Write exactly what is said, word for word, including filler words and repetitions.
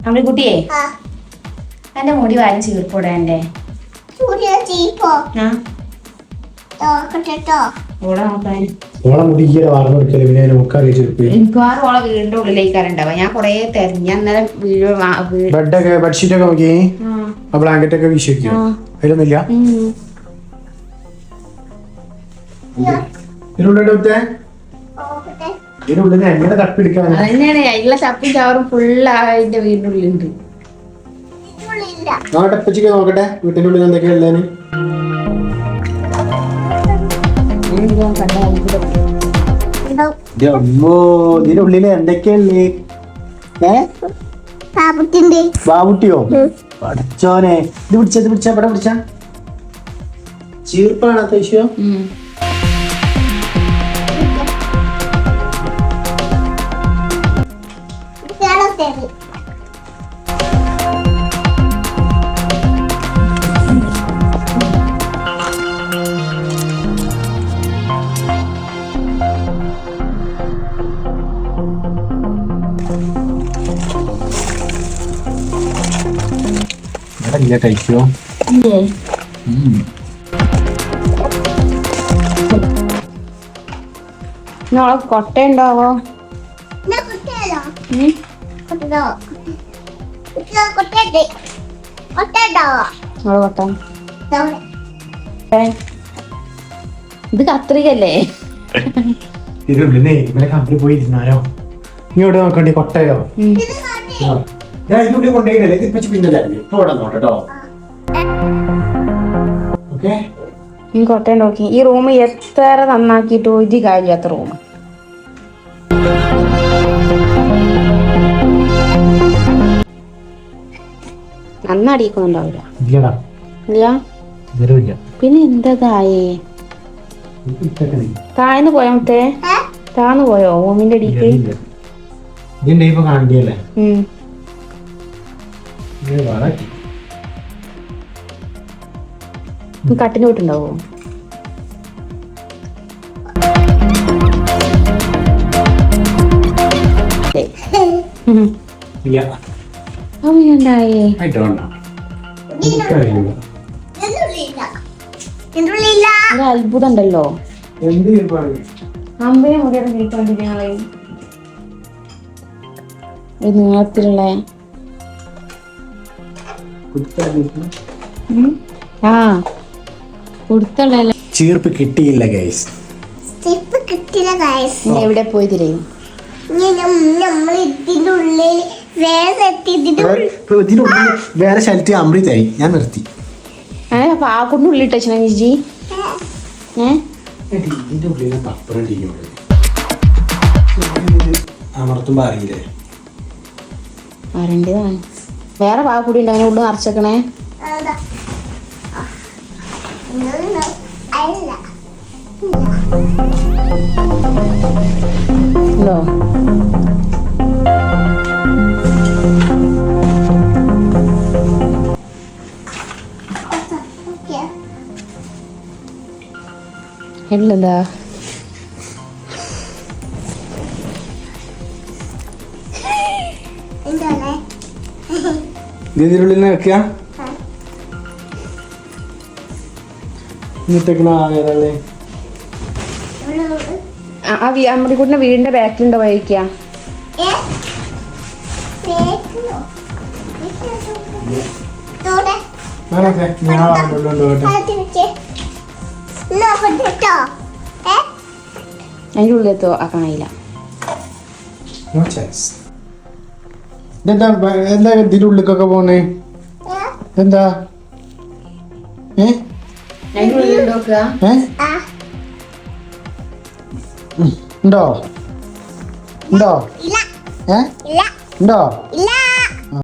നമ്മുടെ കുട്ടിയെ എന്റെ മുടി വാരി ചീർപ്പോടെ എന്റെ മിക്കവാറും ഓളെ വീടിന്റെ ഉള്ളിലേക്കാരുണ്ടാവുക. ഞാൻ കൊറേ തെരഞ്ഞ അന്നേരം ബ്ലാങ്കറ്റ് ഒക്കെ വീശിക്കോ അതിലൊന്നുമില്ല. ഇതിനുള്ളിൽ എങ്ങനെ തപ്പിടിക്കാൻ അതന്നെയാണ് അതിലുള്ള ചപ്പും ചവറും ഫുള്ള് അതിന്റെ വീടിന്റെ ഉള്ളിലുണ്ട്. നോക്കട്ടെ നോക്കട്ടെ വീട്ടിന്റെ ഉള്ളിൽ എന്തൊക്കെയാ ഉള്ളതെന്ന്. ഇതിന്റെ ഉള്ളില് എന്തൊക്കെയല്ലേ? ബാബുട്ടിയോ പഠിച്ചോനെ. ഇത് പിടിച്ച ഇത് പിടിച്ച ഇവിടെ പിടിച്ച ചീർപ്പാണ് അത്യാവശ്യം. കഴിക്കോ നോളെ കൊട്ട ഉണ്ടാവോ? ഇത് കത്രികല്ലേ? കമ്പനി പോയി ഇരുന്നാലോ? നീ ഇവിടെ നോക്കണ്ടേ കൊട്ടയോ? ഞാൻ ഇതിനുള്ളിൽ കൊണ്ടുപോയില്ലേ ഇത് വെച്ച് പിന്നല്ലേ ഇപ്പൊ ഇവിടെ നോട്ടോ. ഓക്കെ ഈ കൊട്ട നോക്കി. ഈ റൂം എത്ര നന്നാക്കിയിട്ട് ഒരു കാര്യമില്ലാത്ത റൂം. നന്നടിക്കുന്നുണ്ടാവില്ല. ഇല്ല പിന്നെ എന്താ തായേ താഴ്ന്നു പോയോ? മറ്റേ താഴ്ന്നു പോയോ റൂമിന്റെ അടിക്ക്? ഇപ്പൊ കാണിക്കല്ലേ കട്ടിന് പോയിട്ടുണ്ടാവോ? അവയുണ്ടായേ അത്ഭുതം ഉണ്ടല്ലോ. അമ്പയെ മുടിയുടെ വീട്ടുകൊണ്ടിരിക്കണേ നീളത്തിലുള്ള ആ കൊടുത്തുള്ള ചീർപ്പ് കിട്ടിയില്ല ഗൈസ്. എവിടെ പോയി തിരയും? വേറെ ശരത്തി അമൃതായി ഞാൻ നിർത്തി. അപ്പൊ ആ കൊണ്ട് ഉള്ളിട്ട് വെച്ചാ ചേച്ചി ഇതിന്റെ ഉള്ളിൽ പപ്പടം അമർത്തുമ്പോ അറിയില്ലേ? അറിയേണ്ടതാണ്. വേറെ പാ കൂടി ഉണ്ട് അങ്ങനെ ഉള്ളു നിറച്ചേക്കണേ. ഉണ്ടോ? എന്താ ഇതിനുള്ളിൽ നിൽക്കുക നമ്മുടെ കൂട്ടിന്റെ വീടിന്റെ ബാക്കിലുണ്ടോ വഴിക്ക? അതിന്റെ ഉള്ളിലെത്തോ ആക്കണില്ല. എന്താ എന്താ ഇതിന്റെ ഉള്ളിലേക്കൊക്കെ പോണേ? എന്താ ഏ ഉണ്ടോ ഉണ്ടോ ഏ ഉണ്ടോ?